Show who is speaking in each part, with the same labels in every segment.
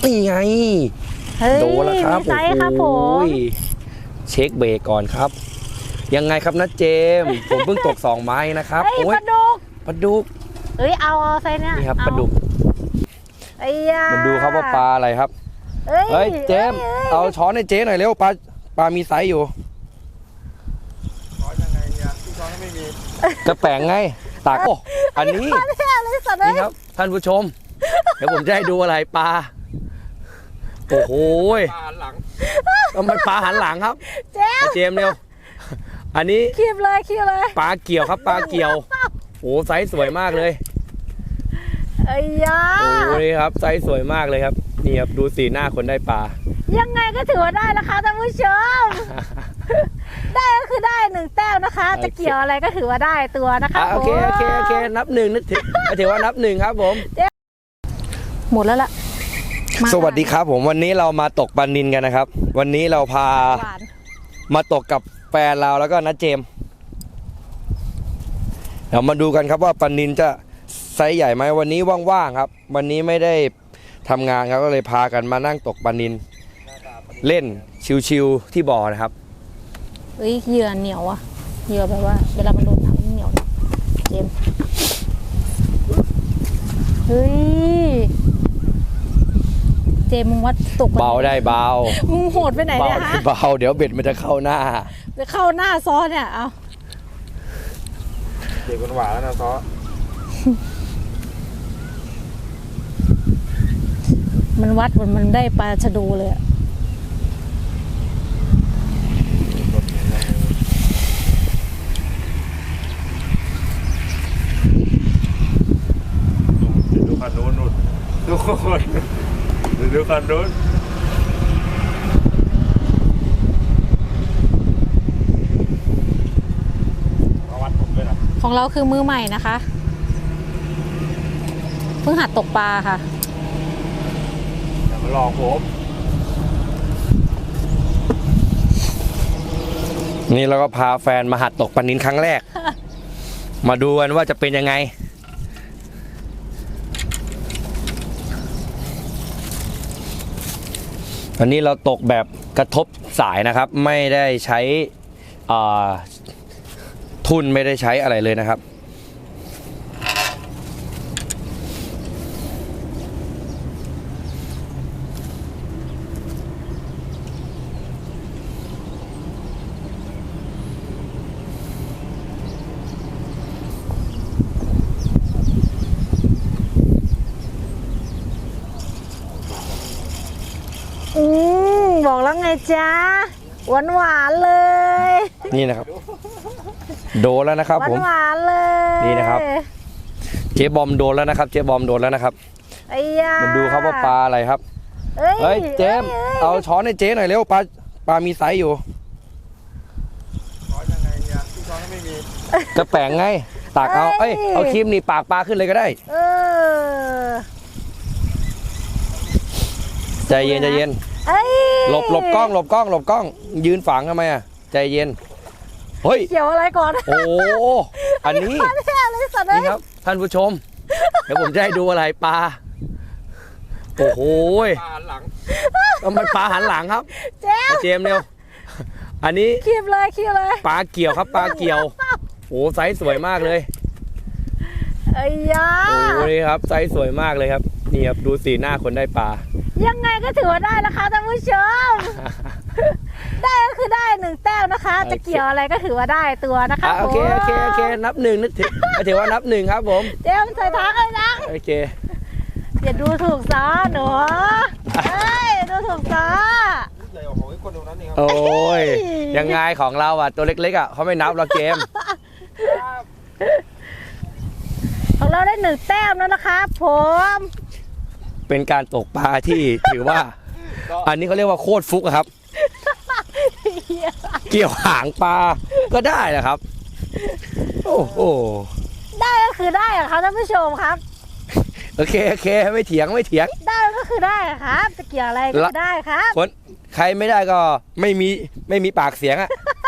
Speaker 1: นี่ไงโดนแล้วครับโอ้ยเช็คเบรกก่อนครับยังไงครับนะเจมผมเพิ่งตก2 ไม้นะครับ
Speaker 2: โอ้ยปลาดุกเอ้ยเอาไซส์เนี้ย
Speaker 1: นี่ครับปลาดุก
Speaker 2: ไอ้ยา
Speaker 1: มันดูครับว่าปลาอะไรครับเฮ้ยเจมเอาช้อนให้เจ๊หน่อยเร็วปลามีไซส์อยู่
Speaker 3: ช้อนยังไงเนี่ยที่ช้อนไม่มี
Speaker 1: กระแปงไงตากอันนี้นี่ครับท่านผู้ชมเดี๋ยวผมจะให้ดูอะไรปลาโอ้โห
Speaker 3: ปลาหันหลัง
Speaker 1: ทำไมปลาหันหลังครับเจมเร็วอันนี้
Speaker 2: คีบเลย
Speaker 1: ปลาเกี่ยวครับปลาเกี่ยวโอ้ไซส์สวยมากเลย
Speaker 2: ไอ้ยา
Speaker 1: โอ้นี่ครับไซส์สวยมากเลยครับนี่ครับดูสีหน้าคนได้ปลา
Speaker 2: ยังไงก็ถือว่าได้นะคะท่านผู้ชมได้ก็คือได้1 แต้มนะคะจะเกี่ยวอะไรก็ถือว่าได้ตัวนะคะ
Speaker 1: โอเคนับ1นึกถือว่านับ1ครับผม
Speaker 2: หมดแล้วล่ะ
Speaker 1: สวัสดีครับผมวันนี้เรามาตกปลานิลกันนะครับวันนี้เราพามาตกกับแฟนเราแล้วก็นะเจมเดี๋ยวมาดูกันครับว่าปลานิลจะไซส์ใหญ่ไหมวันนี้ว่างๆครับวันนี้ไม่ได้ทำงานครับก็เลยพากันมานั่งตกปลานิลเล่นชิวๆที่บ่อนะครับ
Speaker 2: เหยื่อเหนียวอะเหยื่อแบบว่าเวลามันโดนน้ำเหนียวเจมเจมมึงวัดตก
Speaker 1: เบาได้เบา
Speaker 2: มึงโหดไปไหนเนี่ยฮะ
Speaker 1: เบาเดี๋ยวเบ็ดมันจะเข้าหน้า
Speaker 2: ซ้อเนี่ยเอา
Speaker 3: เด็กคนหวานแล้วนะซ้อ
Speaker 2: มันวัดมันได้ปลาชะโดเลยอะ
Speaker 3: ดูคันนู้นดูคนดูคันนู้นมาวัดผมด้วยนะ
Speaker 2: ของเราคือมือใหม่นะคะเพิ่งหัดตกปลาค่ะ
Speaker 3: อย่ามาลองผม
Speaker 1: นี่เราก็พาแฟนมาหัดตกปลานิลครั้งแรก มาดูกันว่าจะเป็นยังไงอันนี้เราตกแบบกระทบสายนะครับไม่ได้ใช้ทุ่นไม่ได้ใช้อะไรเลยนะครับ
Speaker 2: บอกแล้วไงจ๊ะหวานเลย
Speaker 1: นี่นะครับโดนแล้วนะครับผม
Speaker 2: หวานเลย
Speaker 1: นี่นะครับเจ๊บอมโดนแล้วนะครับเจ๊บอมโดนแล้วนะครับ
Speaker 2: ไอ้ยา
Speaker 1: มันดูครับว่าปลาอะไรครับเฮ้ยเจมเอาช้อนให้เจ๊หน่อยเร็วปลามีไซส์อยู่
Speaker 3: ช้อนยังไงเนี่ยที่ช้อนไม่มี
Speaker 1: กระแปงไงตากเอาครีมนี่ปากปลาขึ้นเลยก็ได้ใจเย็นหลบกล้องยืนฝังทำไมอ่ะใจเย็นเฮ้ย
Speaker 2: เกี่ยวอะไรก่อน
Speaker 1: โอ้อันนี้นี่ครับท่านผู้ชมเดี๋ยวผมจะให้ดูอะไรปลาโอ้โห
Speaker 3: ปลาหันหลัง
Speaker 1: ทำไมปลาหันหลังครับเจมเร็วอันนี้
Speaker 2: คีบเลย
Speaker 1: ปลาเกี่ยวครับปลาเกี่ยวโอ้ไซส์สวยมากเลย
Speaker 2: ไอ้ยา
Speaker 1: โอ้นี่ครับไซส์สวยมากเลยครับนี่ครับดูสีหน้าคนได้ปลา
Speaker 2: ยังไงก็ถือว่าได้นะคะท่านผู้ชมได้ก็คือได้1 แต้มนะคะจะเกี่ยวอะไรก็ถือว่าได้ตัวนะคะ
Speaker 1: โอเคนับ1นึกถือว่านับ1ครับผม
Speaker 2: เจมใส่ท้าเลยนะ
Speaker 1: โอเค
Speaker 2: อย่าดูถูกซ้อหนูดูถูกซ้อ
Speaker 1: โอ้ยยังไงของเราอ่ะตัวเล็กๆอ่ะเขาไม่นับเราเกม
Speaker 2: ของเราได้1 แต้มแล้วนะคะผม
Speaker 1: เป็นการตกปลาที่ถือว่าอันนี้เขาเรียกว่าโคตรฟุกครับเกี่ยวหางปลาก็ได้นะครับโอ้โห
Speaker 2: ได้ก็คือได้ครับท่านผู้ชมครับ
Speaker 1: โอเคไม่เถียง
Speaker 2: ได้ก็คือได้ครับจะเกี่ยวอะไรก็ได้ครับ
Speaker 1: คนใครไม่ได้ก็ไม่มีปากเสียงอ่ะ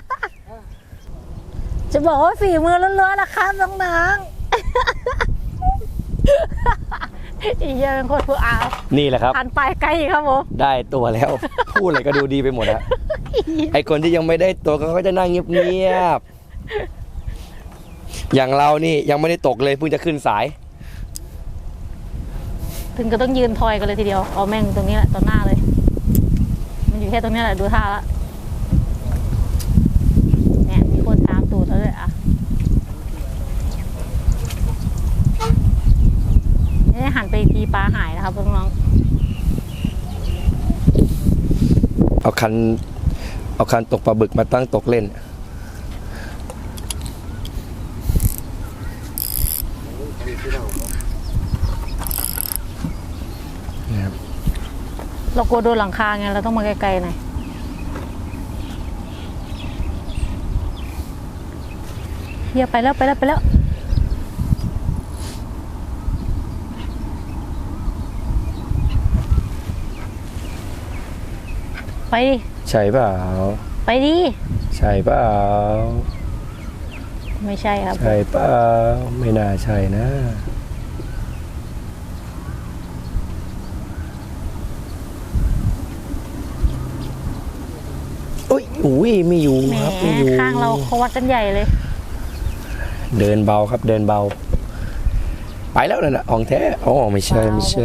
Speaker 2: จะบอกว่าฝีมือล้วนๆนะครับน้องๆอีเหี้ยเป็นโคตรผู้อา
Speaker 1: นี่แหละครับ
Speaker 2: หันไปไกลครับผม
Speaker 1: ได้ตัวแล้ว พูดอะไรก็ดูดีไปหมดอะไอคนที่ยังไม่ได้ตัวเขาก็จะนั่งเงียบๆอย่างเรานี่ยังไม่ได้ตกเลยเพิ่งจะขึ้นสาย
Speaker 2: ถึงก็ต้องยืนทอยกันเลยทีเดียวเอาแม่งตรงนี้แหละตอนหน้าเลย มันอยู่แค่ตรงนี้แหละดูท่าละเนี่ยมีคนตามตูดแล้วเลยอ่ะนี่หันไปอีกทีปลาหายนะครับน้อง
Speaker 1: เอาคันตกปลาบึกมาตั้งตกเล่นนะครับ
Speaker 2: ๆเรากลัวโดนหลังคาไงเราต้องมาไกลๆหน่อยเฮียไปแล้วไปแล้วไปแล้วไปดิ
Speaker 1: ใช่เปล่า
Speaker 2: ไปดิ
Speaker 1: ใช่เปล่า
Speaker 2: ไม่ใช่ครับ
Speaker 1: ใช่เปล่าไม่น่าใช่นะอุ้ยอุ้ยไม่อยู่
Speaker 2: แหม
Speaker 1: ครับไม่อยู่
Speaker 2: ข้างเราเขาวัดกันใหญ่เลย
Speaker 1: เดินเบาครับเดินเบา ไปแล้วนั่นน่ะของแท้อ๋อไม่ใช่ไม่ใช่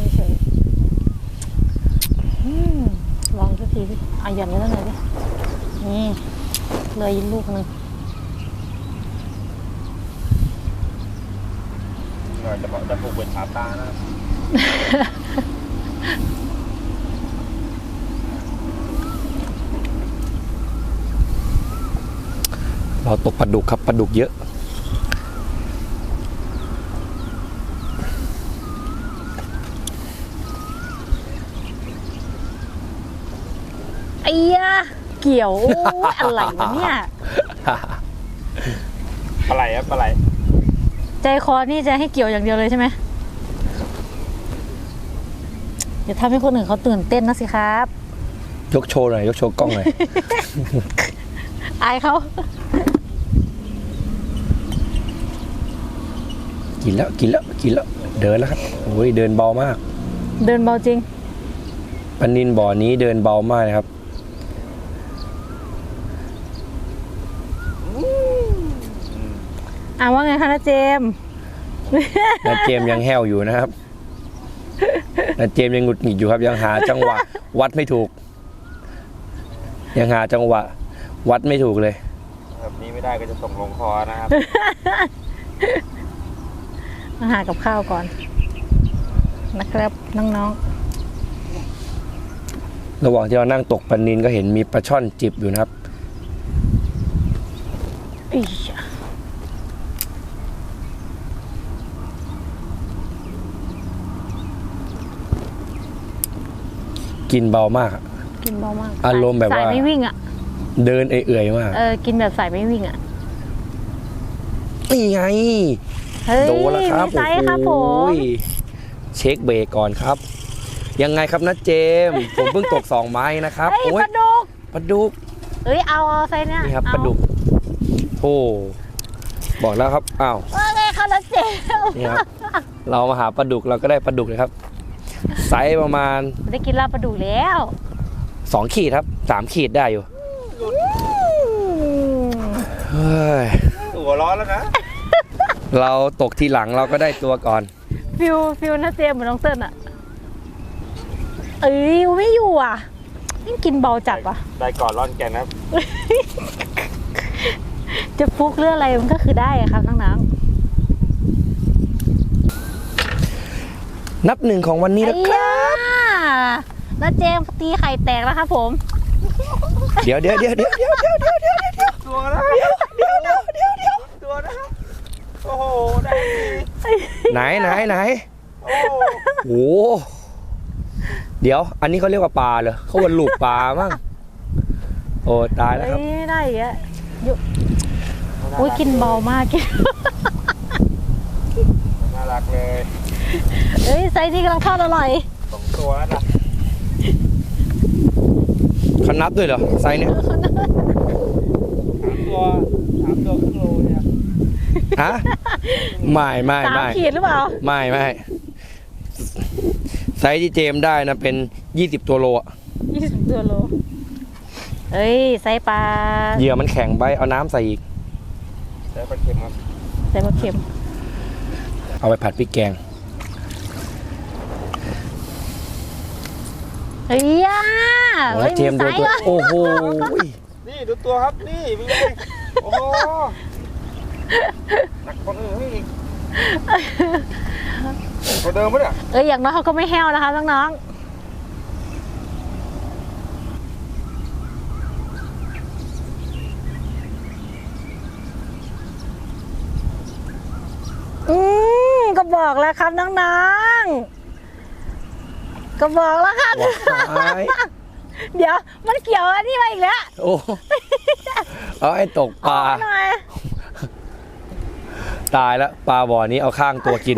Speaker 2: ลองสักทีสิเอาหย่อนไว้ตั้งไหนดินี่เลยลูกหนึ่ง
Speaker 3: จะผูกเป็นขาตานะ
Speaker 1: เราตกปลาดุกครับปลาดุกเยอะ
Speaker 2: ไอ้ยะเกี่ยวโอ้ยอะไรวะเนี่ย
Speaker 3: ปลาไหลครับปลาไหล
Speaker 2: ใจคอนี่จะให้เกี่ยวอย่างเดียวเลยใช่ไหมเดี๋ยวทำให้คนอื่นเขาตื่นเต้นนะสิครับ
Speaker 1: ยกโชว์หน่อยยกโชว์กล้องหน่อย
Speaker 2: อายเขา
Speaker 1: กินแล้วกินแล้วกินแล้วเดินแล้วครับโอ้ยเดินเบามาก
Speaker 2: เดินเบาจริง
Speaker 1: ปลานินบ่อนี้เดินเบามากนะครับ
Speaker 2: ว่าไงคะนะเจมส์
Speaker 1: นาเจมส์ยังแห้วอยู่นะครับนาเจมส์ยังหงุดหงิดอยู่ครับ ยังหาจังหวะ วัดไม่ถูก ยังหาจังหวะ วัดไม่ถูกเลย
Speaker 3: แบบนี้ไม่ได้ก็จะส่งลงคอนะครับ
Speaker 2: มาหากับข้าวก่อนนะครับน้อง
Speaker 1: ระหว่างที่เรานั่งตกปลานินก็เห็นมีปลาช่อนจิบอยู่นะครับ
Speaker 2: ๆอีช
Speaker 1: กินเบามากอะ
Speaker 2: กินเบามาก
Speaker 1: อารมณ์แบบว่า
Speaker 2: สายไม่วิ่งอ่ะ
Speaker 1: เดินเอื่อยๆมาก
Speaker 2: กินแบบสายไม่วิ่งอ่ะ
Speaker 1: นี่ไง
Speaker 2: เฮ้ย
Speaker 1: โดนแล้วครับ
Speaker 2: มีไซส์ครับผม
Speaker 1: โอ้ยเช็คเบรกก่อนครับ ยังไงครับนะเจมส์ผมเพิ่งตก2 ไม้นะครับ
Speaker 2: เฮ้ย
Speaker 1: โอ้
Speaker 2: ป
Speaker 1: ย
Speaker 2: ลาดุก
Speaker 1: ปลาดุก
Speaker 2: เอ้ยเอาไซส์เนี้ย
Speaker 1: นี่ครับ
Speaker 2: เอ
Speaker 1: ปลาดุกโอ้บอกแล้วครับอ้าว
Speaker 2: ว่าไงคะนะเจมส์
Speaker 1: นี่ครับ เรามาหาปลาดุกเราก็ได้ปลาดุกเลยครับไซส์ประมาณ
Speaker 2: ได้กินลาบปลาดุกแล้ว
Speaker 1: 2 ขีดครับ3 ขีดได้อยู่เฮ้ย
Speaker 3: หัวร้อนแล้วนะ
Speaker 1: เราตกทีหลังเราก็ได้ตัวก่อน
Speaker 2: ฟิลนะเจมส์เหมือนน้องเติ้ลอ่ะ เอ้ยไม่อยู่อ่ะนี่กินเบาจัดว่ะ
Speaker 3: ได้ก่อนร่อนแกนนะครับ
Speaker 2: จะฟุกเรื่องอะไรมันก็คือได้อะครับน้อง
Speaker 1: นับ1ของวันนี้
Speaker 2: ๆ
Speaker 1: แล้วครับ
Speaker 2: แล้วเจมส์ตีไข่แตกแล้วครับผม
Speaker 1: เดี๋ยว
Speaker 3: ตัวนะตัวนะครับโอ้โหได้ดี
Speaker 1: ไหน
Speaker 3: โอ้โห
Speaker 1: โอ้โหเดี๋ยว อันนี้เขาเรียกว่าปลาเหรอเขาว่าลูกปลามั้งโอ้ตายแล้วครับ
Speaker 2: เฮ้ยไม่ได้อีกอะอยู่อุ้ยกินเบามากกิน
Speaker 3: น่ารักเลย
Speaker 2: เฮ้ยไซส์นี้กำลังทอดอร่อย
Speaker 3: 2 ตัวแล้วนะ
Speaker 1: เขานับด้วยเหรอไซส์เนี่ย
Speaker 3: 3 ตัวครึ่งโลเนี่ย
Speaker 1: ฮะไม่
Speaker 2: 3 ขีดหรือเปล่า
Speaker 1: ไม่ไซส์ที่เจมส์ได้นะเป็น20ตัวโลอะ
Speaker 2: 20 ตัวโลเอ้ยไซส์ปลา
Speaker 1: เหยื่อมันแข็งไปเอาน้ำใส่อีก
Speaker 3: ใช้ปลาเค็มครับ
Speaker 2: ไซส์ปลาเค็ม
Speaker 1: เอาไปผัดพริกแกง
Speaker 2: เฮ้ยอ่ะ
Speaker 1: โอ้ยเจมส์ดูตัวโอ้โห
Speaker 3: นี่ดูตัวครับนี่เป็นไงโอ้โหหนักคนอื่นอีกตัวเดิมปะเนี่ย
Speaker 2: เอ้ยอย่างน้อยเขาก็ไม่แห้วนะคะน้องๆก็บอกแล้วครับน้องๆก็บอกแล้วครับ
Speaker 1: ว้าย
Speaker 2: เดี๋ยวมันเกี่ยวอันนี้มาอีกแล้ว
Speaker 1: โอ้เอาไอ้ตกปลา
Speaker 2: เอหน่อย
Speaker 1: ตายแล้วปลาบ่อนี้เอาข้างตัวกิน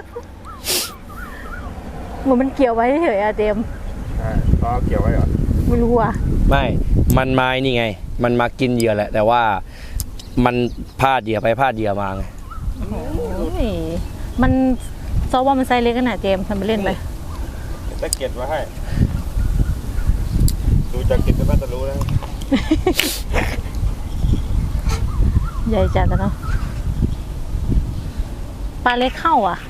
Speaker 2: เหมือนมันเกี่ยวไว้เฉยๆอะเจมส์
Speaker 3: ก็เกี่ยวไว้เหรอ
Speaker 2: ไม่รู้อ่ะ
Speaker 1: ไม่ มันไม้นี่ไง มันมากินเหยื่อแหละ แต่ว่ามันพลาดเหยื่อไปพลาดเหยื่อมาไง
Speaker 2: โอ้ยมันซอว่ามันไซส์เล็กขนาดเจมส์ทำไปเล่นไป
Speaker 3: จะเก็บไว้ให้ดูจากเก็บก็น่าจะรู้แล้ว
Speaker 2: ใหญ่จัดอะเนาะปลาเล็กเข้าอ่ะ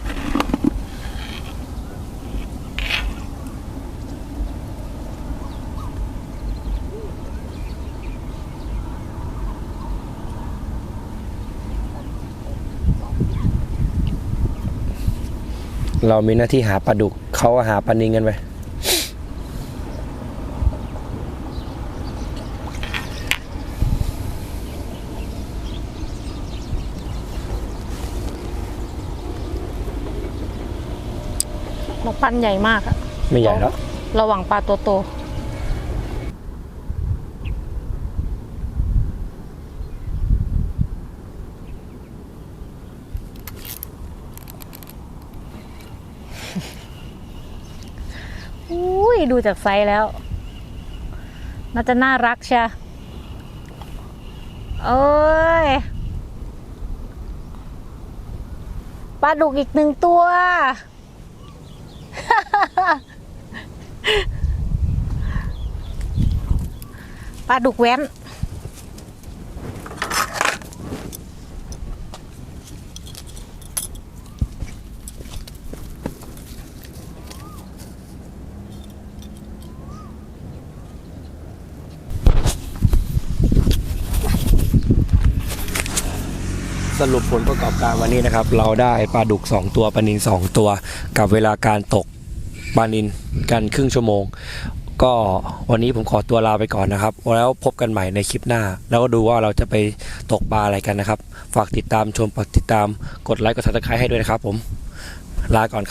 Speaker 1: เรามีหน้าที่หาปลาดุกเขาก็หาปลานิลกันไป
Speaker 2: เราปั้นใหญ่มากอะ
Speaker 1: ไม่ใหญ่แล้ว
Speaker 2: ระหว่างปลาตัวโตอุ้ยดูจากไซส์แล้ว น่าจะน่ารักใช่โอ้ยปลาดุกอีก1 ตัว ปลาดุกแว้น
Speaker 1: สรุปผลประกอบการวันนี้นะครับ เราได้ปลาดุก2ตัวปลานิล2ตัวกับเวลาการตกปลานิลกันครึ่งชั่วโมง ก็วันนี้ผมขอตัวลาไปก่อนนะครับแล้วพบกันใหม่ในคลิปหน้า แล้วก็ดูว่าเราจะไปตกปลาอะไรกันนะครับ ฝากติดตามชมฝากติดตามกดไลค์กดซับสไครต์ให้ด้วยนะครับผมลาก่อน